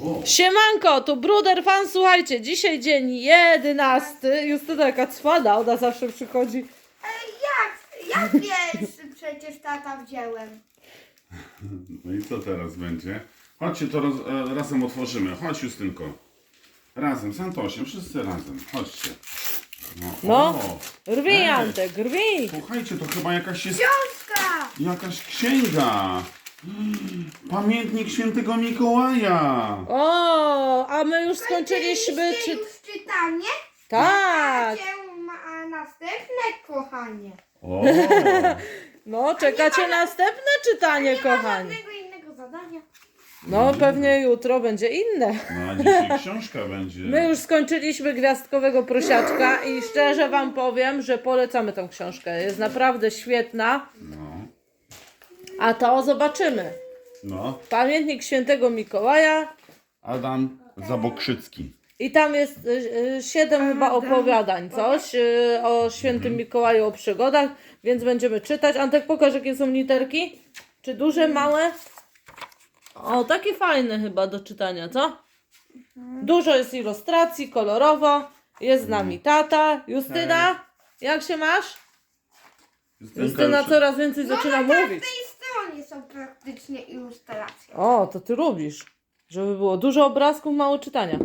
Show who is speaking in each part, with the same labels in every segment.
Speaker 1: O,
Speaker 2: Siemanko, tu Bruder Fan, słuchajcie, dzisiaj dzień 11. Justyna jaka cwana, ona zawsze przychodzi.
Speaker 3: Jak wiesz, przecież tata wziąłem.
Speaker 1: no i co teraz będzie? Chodźcie, to razem otworzymy. Chodź, Justynko. Razem, z Antosiem, wszyscy razem. Chodźcie.
Speaker 2: No,
Speaker 1: o,
Speaker 2: rwij
Speaker 1: ej,
Speaker 2: Antek, rwij.
Speaker 1: Słuchajcie, to chyba jakaś jest...
Speaker 3: Książka!
Speaker 1: Jakaś księga. Pamiętnik świętego Mikołaja.
Speaker 2: O, a my już skończyliśmy
Speaker 3: Zaczęliście już czytanie?
Speaker 2: Tak,
Speaker 3: Macie następne, kochanie.
Speaker 1: O,
Speaker 2: no czekacie następne czytanie,
Speaker 3: Nie ma
Speaker 2: kochani.
Speaker 3: żadnego innego zadania.
Speaker 2: No, pewnie jutro będzie inne.
Speaker 1: no a dzisiaj książka będzie.
Speaker 2: My już skończyliśmy Gwiazdkowego Prosiaczka i szczerze wam powiem, że polecamy tą książkę. Jest naprawdę świetna.
Speaker 1: No,
Speaker 2: A to zobaczymy.
Speaker 1: no.
Speaker 2: Pamiętnik świętego Mikołaja.
Speaker 1: Adam Zabokrzycki.
Speaker 2: I tam jest 7 chyba opowiadań, coś o świętym Mikołaju, o przygodach, więc będziemy czytać. Antek, pokaż, jakie są literki. Czy duże, małe? O, takie fajne chyba do czytania, co? Dużo jest ilustracji, kolorowo. Jest z nami tata. Justyna, jak się masz? Justyna
Speaker 1: już-
Speaker 2: coraz więcej zaczyna
Speaker 3: Na
Speaker 2: mówić.
Speaker 3: tej stronie są praktycznie ilustracje.
Speaker 2: O, to ty lubisz. Żeby było dużo obrazków, mało czytania.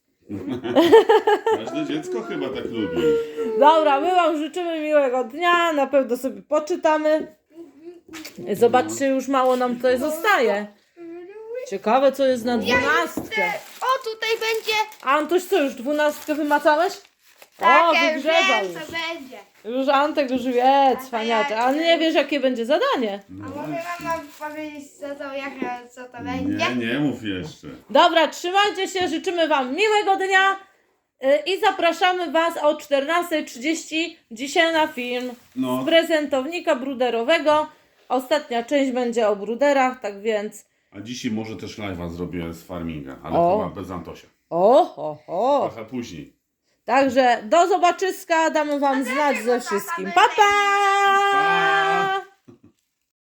Speaker 1: Każde dziecko chyba tak lubi.
Speaker 2: Dobra, my wam życzymy miłego dnia, na pewno sobie poczytamy. Zobaczcie, już mało nam tutaj zostaje. Ciekawe, co jest na 12.
Speaker 3: O, tutaj będzie.
Speaker 2: Antoś, co, już 12 wymacałeś? O,
Speaker 3: Takie
Speaker 2: wygrzebał
Speaker 3: wiem,
Speaker 2: już.
Speaker 3: co będzie.
Speaker 2: Już Antek już wie, cwaniacze. A nie wiesz, jakie będzie zadanie.
Speaker 1: No
Speaker 3: A może mama powiedzieć, co to będzie?
Speaker 1: nie mów jeszcze.
Speaker 2: Dobra, trzymajcie się, życzymy wam miłego dnia i zapraszamy was o 14:30 dzisiaj na film
Speaker 1: No.
Speaker 2: z prezentownika bruderowego. Ostatnia część będzie o bruderach, tak więc
Speaker 1: A dzisiaj może też live'a zrobię z farminga, ale
Speaker 2: O.
Speaker 1: chyba bez Antosia.
Speaker 2: o.
Speaker 1: Trochę później.
Speaker 2: Także do zobaczyska, damy wam znać ze wszystkim. Pa, pa!
Speaker 1: Pa!